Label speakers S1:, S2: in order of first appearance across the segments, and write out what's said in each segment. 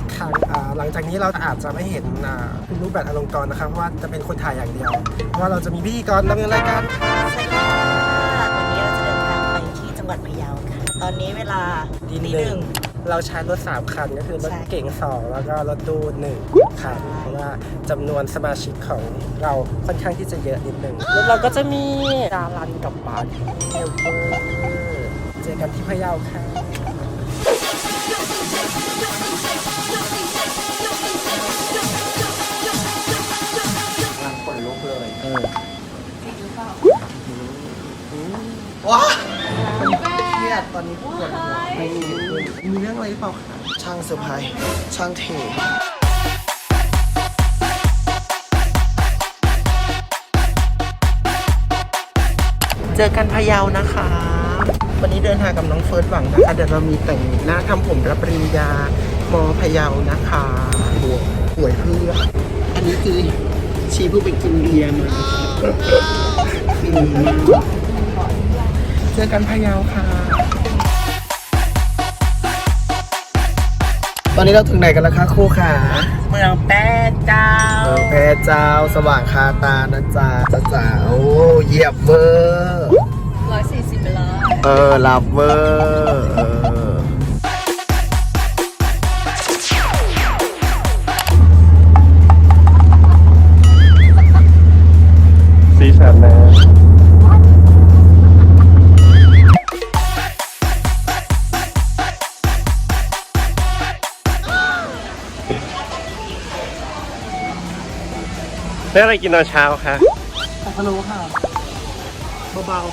S1: ครั้งหลังจากนี้เราอาจจะไม่เห็นคุณรูปแบบอลงกรณ์นะครับเพราะว่าจะเป็นคนถ่ายอย่างเดียวเพราะว่าเราจะมีพิธีกรดำเนินรายการ
S2: สวัสดีค่ะวันนี้เราจะเดินทางไปที่จังหวัดพะเยาค่ะตอนนี้เวลาตีหนึ่ง
S1: เราใช้รถ3คันก็คือรถเก๋ง2แล้วก็รถตู้1คันเพราะว่าจำนวนสมาชิกของเราค่อนข้างที่จะเยอะนิดนึงแล้วเราก็จะมีดารันกับบาร์เทลเวอร์เจอกันที่พะเยาค่ะขนลุกเลยว้าเครียดตอนนี้ปวดหัวไม่มีเรื่องอะไรหรือเปล่าคะช่างเซอร์ไพรส์ช่างเทเจอกันพะเยานะคะวันนี้เดินทางกับน้องเฟิร์สหวังนะคะเดี๋ยวเรามีแต่งหน้าทำผมรับปริญญามพะเยานะคะหวยเพื่ออันนี้คือชีเพิ่งไปกินเบียร์มาเจอกันพะเยาค่ะตอนนี้เราถึงไหนกันแล้วคะครูขา
S2: เมืองแป้เจ้า
S1: แพร่เจ้าสว่างคาตานะจ๊ะจ้าโอ้เยี่ยมเวอร์
S2: 140ไปแล้ว
S1: หลับเวอร์สีสันนะได้อะไรกินตอนเช้าคะผัดพะโล้ค่ะเบา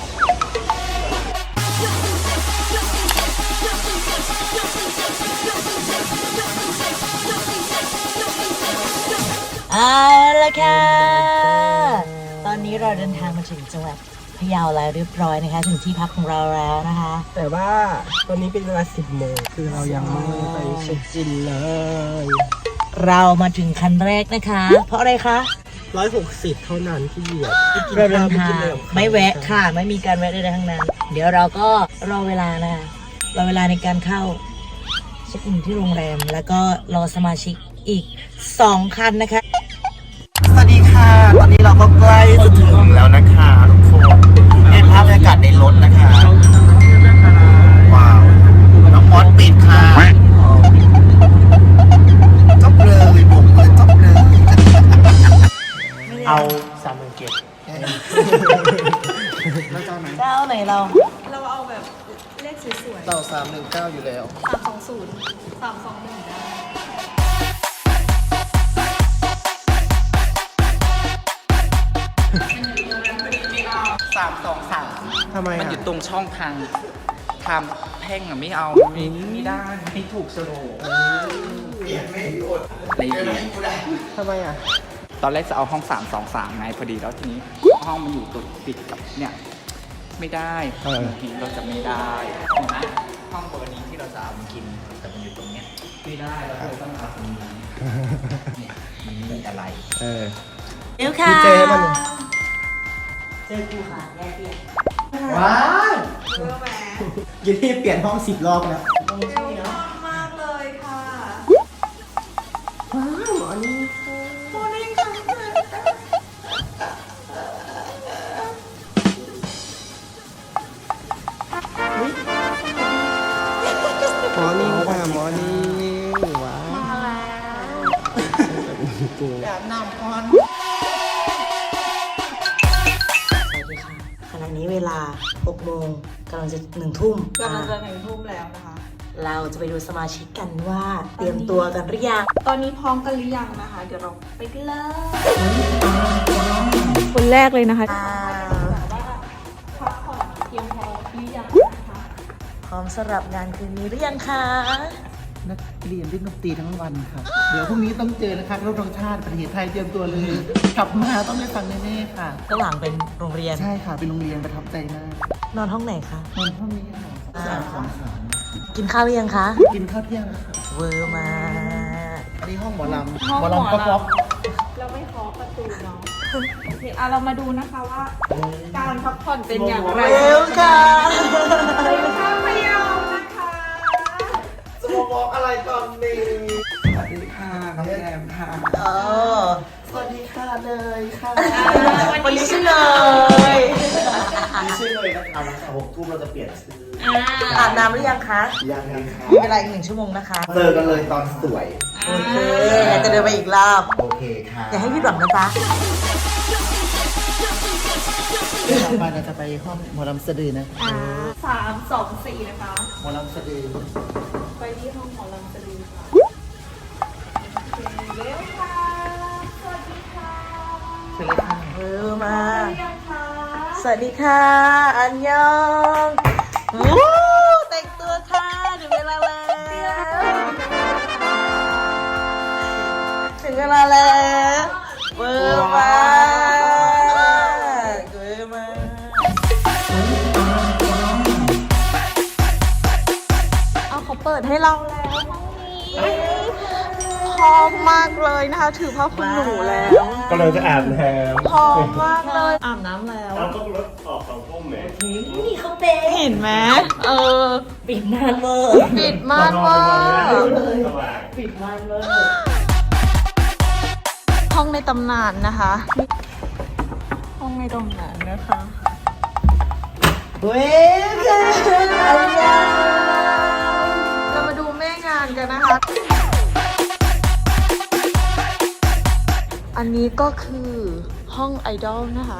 S2: เอาละค่ะตอนนี้เราเดินทางมาถึงจังหวัดพะเยาแล้วเรียบร้อยนะคะถึงที่พักของเราแล้วนะคะ
S1: แต่ว่าตอนนี้เป็นเวลา10 โมงคือเรายังไม่ไปเช็คอินเลย
S2: เรามาถึงคันแรกนะคะเพราะอะไรคะ
S1: 160เท่านั้นที่เหยียบ
S2: เราเดินทางไม่แวะค่ะไม่มีการแวะใดๆทั้งนั้นเดี๋ยวเราก็รอเวลานะคะรอเวลาในการเข้าเช็คอินที่โรงแรมแล้วก็รอสมาชิกอีก2 คันนะคะ
S1: สวัสดีค่ะตอนนี้เราก็ใกล้จะถึงแล้วนะคะทุกคนเห็นภาพบรรยากาศในรถนะคะว้าวน้องมอสปิดค่ะจบเลยผมเลยจบเลยเอา30,000เก็บแล้วเจ้าไหน
S2: เจ้าไหนเรา
S3: เอาแบบเลขสวยๆ
S1: เรา319อยู่แล้ว
S3: 320 321ได้
S1: ทำไม
S4: มันอยู่ตรงช่องทางแพ่งอะไม่เอาไม่ได้ไม่ถูกสโลว์
S1: เปลี่ยนไม่หยุด
S4: อะไรอย่างเงี้ย
S1: ทำไมอ่ะ
S4: ตอนแรกจะเอาห้อง323ไงพอดีแล้วทีนี้ห้องมันอยู่ติดกับเนี่ยไม่ได้ทีเราจะไม่ได้เห็นไหมห้องเบอร์นี้ที่เราจะเอามากินแต่มันอยู่ตรงเนี้ยไม่ได้เราเลยต้องเอาตรงนี้เนี่ยมันมีอะไร
S2: เดี๋ยวค่ะ
S1: เจมัน
S2: เจอกูค่ะแย่เปลี่ยน
S1: ว้าวยินดีเปลี่ยนห้อง10 รอบแล้ว
S3: เร็วมากเลยค่ะ
S1: ว้าวอันนี้
S3: โมนิ่งค่ะ
S1: มอนิ่งค่ะมอนิ่งว้าว
S3: มาแล้ว
S1: แบบน้ำพร
S2: สวัสดีค่ะขณะนี้เวลา6 โมงกำลังจะ1 ทุ่ม
S3: กำลังจะ1 ทุ่มแล้วนะคะ
S2: เราจะไปดูสมาชิกกันว่าเตรียมตัวกันหรือยัง
S3: ตอนนี้พร้อมกันหรือยังนะคะเดี๋ยวเราไปกันเลยคนแรกเลยนะคะพักผ่อนเพียงพอหรือยังนะคะ
S2: พร้อมสำหรับงานคืนนี้หรือยังคะ
S1: นักเรียนเล่นดนตรีทั้งวันครับเดี๋ยวพรุ่งนี้ต้องเจอนะครับรบธงชาติประเทศไทยเตรียมตัวเลยกลับมาต้องได้ฟังแน่ๆค่ะ
S2: ข้างหลังเป็นโรงเรียน
S1: ใช่ค่ะเป็นโรงเรียนประทับใจมาก
S2: นอนห้องไหนคะ
S1: นอนห้องนี้ค่ะ
S2: กินข้าวหรือยังคะ
S1: กินข้าวเที่ยง
S2: เวอร์มา
S1: อันนี้ห้องหมอลำหมอลำก๊อก
S3: เราไม่เคาะประตูเนาะโอเคเรามาดูนะคะว่าการพักผ่อนเป็นอย่างไร
S2: เร็วค่ะ
S3: อยู่ท่าพะเยานะคะ
S1: จะมาบอกอะไรตอนนี้ค่ะน้องแอมค่ะสวัสดีค่ะเลยค่ะ
S2: วันนี้ชื่อเลย
S5: มีชื่อเลยนะครับหลังจาก6 ทุ่มเราจะเปลี่ยนชื่อ
S2: อาบน้ำหรือยังคะ
S5: ยังไงครับ
S2: มีเวลาอีก1 ชั่วโมงนะคะ
S5: เจอกันเลยตอนสวย
S2: โอเคจะเดินไปอีกรอบ
S5: โอเคค่ะ
S2: อย่าให้พี่หวังนะจ๊ะ
S1: ต่อไปเราจะไปห้องหมอลำสะดือนะ
S3: 3 2 4 นะคะ
S1: หมอลำสะดือ
S3: ไปที่ห้องของลำสลีค่ะโอเคเร็วค่ะ สวัสดีค่ะ
S1: เชิญเลยค่ะ
S2: มา
S3: เรียงค่ะ
S2: สวัสดีค่ะ อันยองวู้แต่งตัวค่ะถึงเวลาแล้วถึงเวลาแล้วเบอร์มาเบอร์มา
S3: เอาเขาเปิดให้เราแล้วห้องนี้พร้อมมากเลยนะคะ ถือผ้าคลุมหนูแล้ว
S5: ก็เลยจะอาบน้
S3: พร้อมมากเลย อาบน้ำแล้ว
S5: ำเราต้องรถออก2 ทุ่มไหม
S2: นี่เขาเป็น
S3: เห็นไหม
S2: ปิดม่านเวอร์
S3: ปิดม่านว่า
S5: สว่าง
S2: ปิดม่านเวอร์
S3: ห้องในตำนานนะคะ ห้องในตำนานนะคะ
S2: เว้ยอันยอง
S3: เรามาดูแม่งานกันนะคะ อันนี้ก็คือห้องไอดอลนะคะ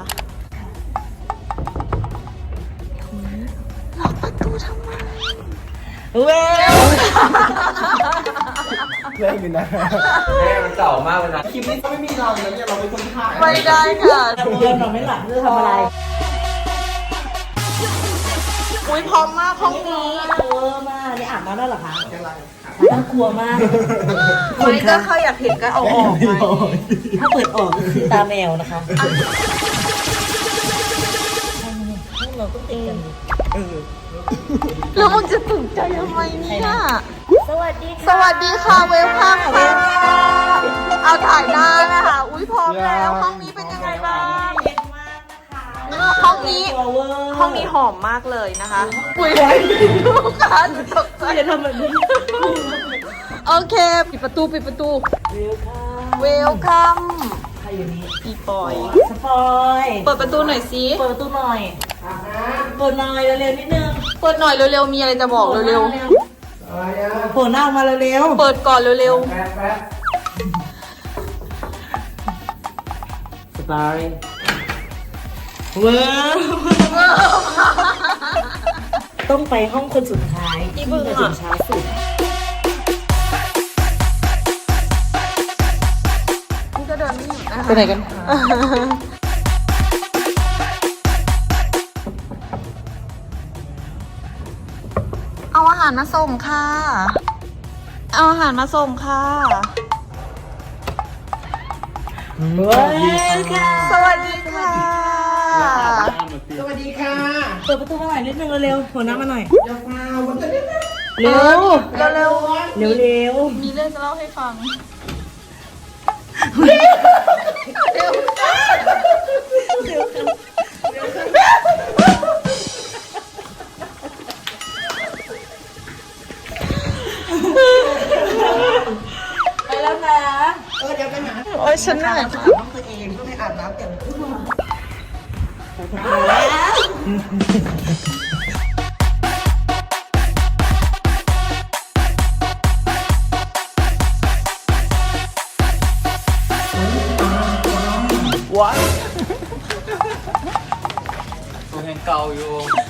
S3: ล็อกประตูทำไม
S2: เว้ย
S5: เล่นอยู่นะแม่มันเก่ามากเลยนะ
S1: คลิปนี้ก็ไม่มีเรานะเนี่ยเราเป็นคนถ่าย
S3: ไม่ได้ค่ะ
S2: จะเมื่อนอนไม่หลับจะทำอะไร
S3: อุ้ยพร้อมมากห้องนี้
S2: กลัวมากนี่อาบน้ำได้เหรอคะน่ากลัวมาก
S3: ไม่ก็เขาอยากเห็นก็เอาออกไป
S2: ถ้าเปิดออกก็คือตาแมวนะคะห้องเราก็ติดกัน
S3: แล้วมึงจะตื่นใจทำไมเนี่ย
S2: สวัสดี
S3: สวัสดีค่ะเวลคัมค่ะ เอาถ่ายหน้านะคะ อุ้ยพร้อมแล้ว ห้องนี้เป็นยังไงบ้าง
S2: เย็นมากนะคะ
S3: ห้องนี้
S2: ตัวเวอร์
S3: ห้องนี้หอมมากเลยนะคะ อุ้ยลูกค้าหนูตกใจ
S2: จะทำแบบนี้
S3: โอเค ปิดประตู ปิดประตู
S2: เร็วค่ะ
S3: เวลคัม
S2: ใครอยู่นี่
S3: อีปอย
S2: สปอย
S3: เปิดประตูหน่อยสิ
S2: เปิดประตูหน่อยเปิดหน่อยเร็วๆนิดนึง
S3: เปิดหน่อยเร็วๆ มีอะไรจะบอกเร็ว
S2: โผล่หน้าออกมาเร็ว
S3: ๆ เปิดก่อนเร็ว
S2: สปอยเว้ยต้องไปห้องคนสุดท้ายที่จะถึงช้าสุด
S3: ๆ นี่ก็เดินไม่หยุดนะคะ
S2: ไปไหนกัน
S3: เอาอาหารมาส่งค่ะ เอาอาหารมาส่งค่ะ
S2: เว้ยค่ะ
S3: สวัสดีค่ะ
S1: สวัสดีค่ะ
S2: เปิดประตูมาหน่อยนิดนึงเร็วๆโผล่หน้ามาหน่อย
S1: อย่าฟาวมันจะได้ไหม
S2: เร็ว
S3: เร็ว
S2: เร็ว
S3: ๆ มีเรื่องจะเล่าให้ฟัง
S2: ไปแล้วนะ
S1: เดี๋ยวไปหา
S3: โอ้ยฉันเหนื่อย
S1: อาบน้ำตัวเองก็ไม่อาบน้ำแต่งตัว
S4: ตัวยังเก่าอยู่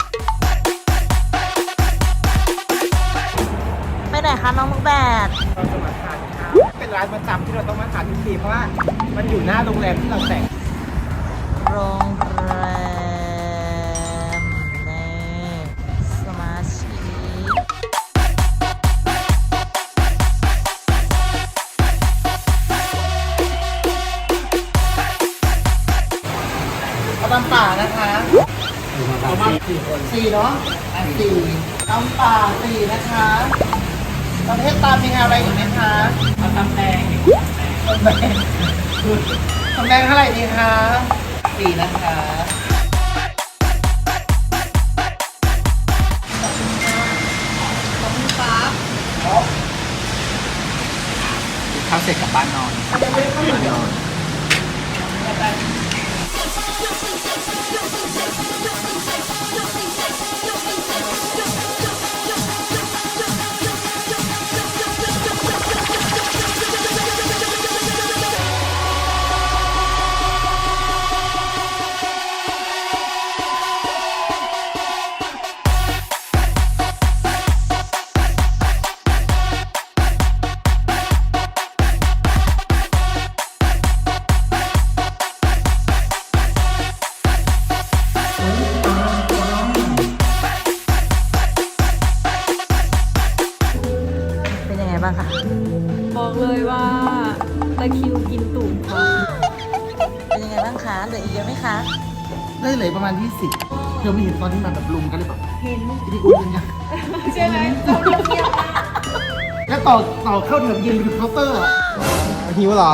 S2: ไปไหนคะน้องมุกแบด
S1: เราจะมาทานข้าวเป็นร้านประจำที่เราต้องมาทานทุกทีเพราะว่ามันอยู่หน้าโรงแรมที่เราแต่ง
S2: โรงแรมในสมาชิก
S1: เอาตำป่านะคะเอามาสี่เนาะสี่ตำป่าสี่นะคะประเภทตามมีอะไรอีกไหมคะเอาตำแดงตำแดงตำแดงเท่าไหร่ดีคะสี่นะคะขอบคุณครับ
S4: ข้าวเสร็จกลับบ้านนอนบ้านนอน
S2: เป็นยังไงบ้างคะ
S3: บอกเลยว่าตะคริวกินตุ่มค่ะ
S2: เป็นยังไงบ้างคะเหลืออีกเยอะไหมคะ
S1: ได้เลยประมาณ20เธอไม่เห็นตอนที่มันแบบลุมกันเลยแบบเห็นที่อุ้มกันยัง
S3: ใช่ไหมเราเงียบมาก
S1: แล้วต่อเข้าแถวยืนไปถึงเคาน์เตอร์อ่ะหิวเหรอ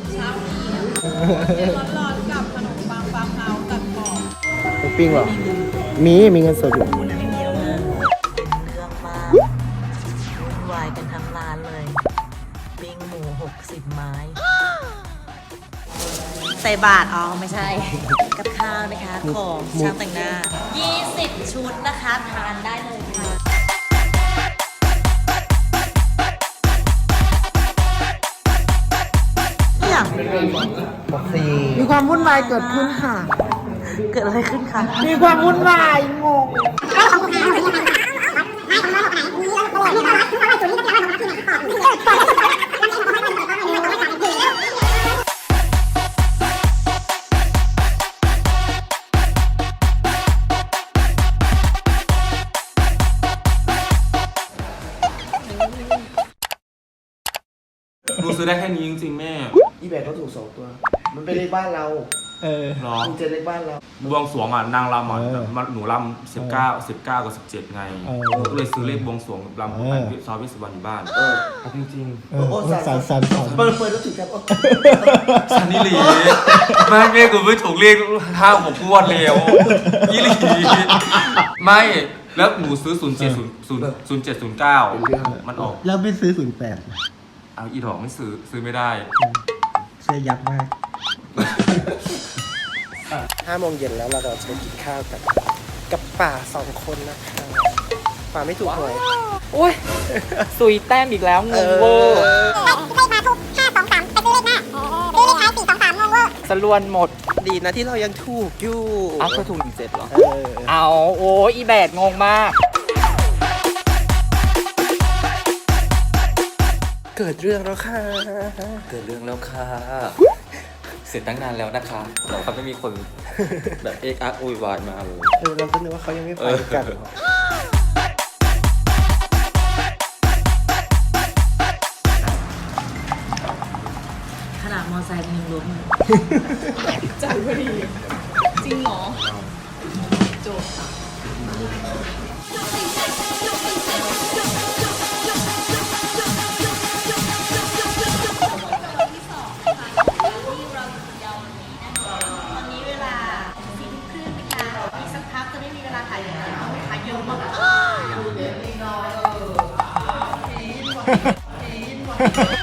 S3: ร้อนๆกับขนมปังฟาร์มเฮาส์ตัดกรอบ
S1: หมูปิ้งเหรอ มีเงินสดอยู่
S2: เป็นเรื่องมากวุ่นวายกันทั้งร้านเลย ปิ้งหมู60 ไม้ ใส่บาทอ๋อไม่ใช่ กับข้าวนะคะ ของช่างแต่งหน้า 20 ชุดนะคะ ทานได้เลยค่ะ อย่าง
S1: มีความวุ่นวายเกิดขึ้นค่ะ
S2: เกิดอะไรขึ้นคะ
S1: มีความวุ่นวายงง
S6: หนูซื้อได้แค่นี้จริงๆแม่
S1: อีแบบก็ถูก2 ตัว มันเป็นเลขบ้านเรา
S6: หรอ
S1: มันเจอเลขบ้านเรา
S6: บวงสรวงอ่ะนางรำอ่ะหนูรำ19กับ17ไงก็เลยซื้อเลขบวงสรวงรำไปซอยวิศวรรณอยู่บ้าน
S1: จริงๆโอ้สามเปิดแล้วถึงครับ
S6: ซันนี่หลีไม่แม่กูไม่ถูกเลข5-6 งวดแล้วยี่หลีไม่แล้วหนูซื้อ0709มันออก
S1: แล้วไม่ซื้อ08
S6: เอาอีดอกไม่ซื้อไม่ได้
S1: เสื้อยับมาก5 โมงเย็นแล้วเราจะไปกินข้าวกับป่า2 คนนะคะป่าไม่ถูกหวย
S4: อุ้ยซุยแต้มอีกแล้วงงเวอร์
S7: เลขมาทุก523ไปซื้อเลขหน้าซื้อเลขท้าย423งงเวอร์
S4: สลวนหมด
S1: ดีนะที่เรายังถูกอยู่
S4: อ้าวเธอถูก17เหรอ
S1: เออ
S4: เอาโอ้ยอีแบดงงมาก
S1: เกิดเรื่องแล้วค่ะ
S8: เกิดเรื่องแล้วค่ะ เสร็จตั้งนานแล้วนะคะแต่เขาไม่มีคนแบบเอ็กอักอุยวายมาเลย
S1: เราก็นึกว่าเขายังไม่ไปกันหรอ
S2: ขนาดมอไซค์มันยังล้มเลย
S3: ใจพอดี จริงเหรอโจทย์
S2: ตอนนี้เวลา4 ทุ่มครึ่งนะคะอีกสักพักจะไม่มีเวลาถ่ายแล้วลูกค้าเยอะมาก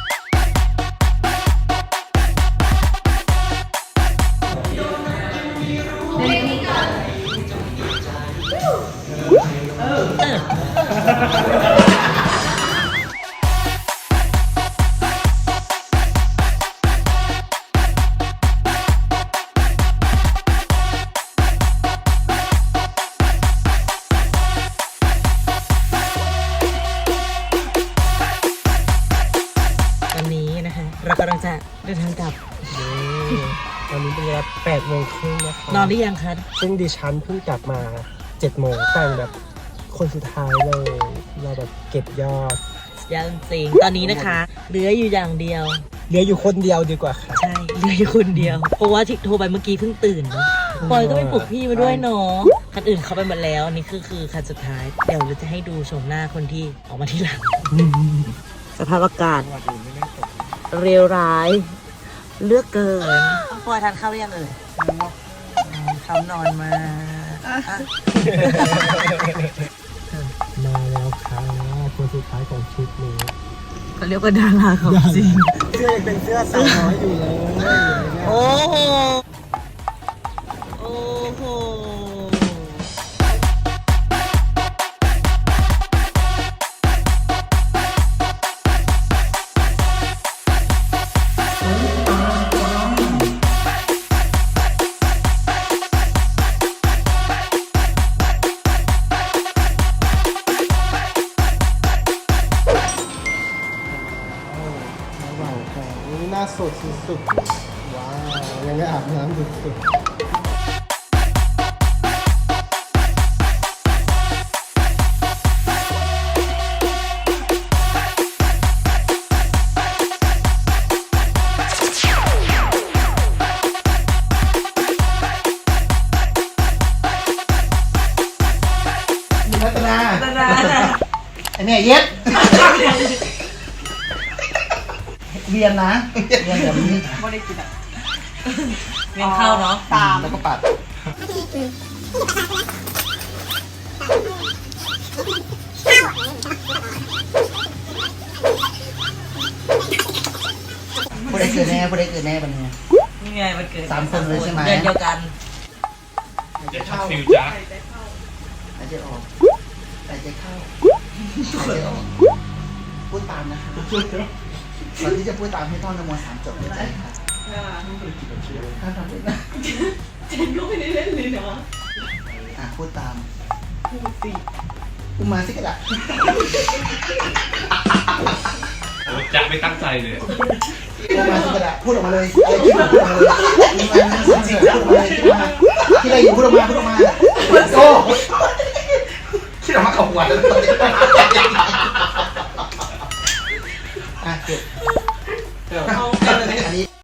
S2: ตอนนี้นะคะ เรากำลังจะเดินทางกลับ
S1: ตอนนี้เป็นเวลา8 โมงครึ่งนะคะ
S2: นอนหรือยังคะ
S1: ซึ่งดิฉันเพิ่งกลับมา7 โมงแต่งแบบคนสุดท้ายเลย เราแบบเก็บยอด
S2: ยังจริงตอนนี้นะคะเหลืออยู่อย่างเดียว
S1: เหลืออยู่คนเดียวดีกว่าค่ะ
S2: ใช่เหลืออยู่คนเดียว เพราะว่าที่โทรไปเมื่อกี้เพิ่งตื่นเนอะปอยก็ไปปลุกพี่มาด้วยเนาะคันอื่นเขาไปหมดแล้วอันนี่คือคันสุดท้าย เดี๋ยวเราจะให้ดูชมหน้าคนที่ออกมาที่หลัง สภาพอากาศเร็วร้าย เลือกเกินปอยทานข้าวหรือยังเอ่ยเขานอนมา
S1: มาแล้วค่ะคนสุดท้ายของชุดนี้
S2: เขาเรียกว่าดาราของจริง
S1: เสื้อสื้อยังเป็นเสื้อสาวน้อยอยู่เลย
S2: โอ้โห โอ้โห
S1: ว้าวค่ะนี่หน้าสดสุดๆว้าวยังไม่อาบน้ำสุดๆรัตนาไอเนี่ยเย็ดเวียนนะเวียนแบบนี้
S2: เวียนเข้าเนาะ
S1: ตามแล้วก็ปัดผู้ใดเกิดแน่ผู้ใดเกิดแน่บันนี้
S2: นี่ไงมันเกิด
S1: 3 คนเลยใช่ไหม
S2: เดือนเดียวกัน
S6: อย่าชักฟิวจ้า
S1: หายใจออกหายใจเข้าหายใจออกพูดตามนะคะก่อนที่จะพูดตามให้ท่องนโม3 จบเลยค่ะถ้าทำได้นะเจนก็ไม่ได้เล่นเลยเนาะพูดตามพูดสิพูดมาสิกระดาษ
S6: จะไม่ตั้งใจเลย
S1: พูดมาสิกระดาษพูดออกมาเลยอะไรคิดพูดออกมาเลยพูดมาพูดออกมาเลยคิดมาที่อะไรอยู่พูดออกมาโอ้คิดออกมาเอาหัวเลย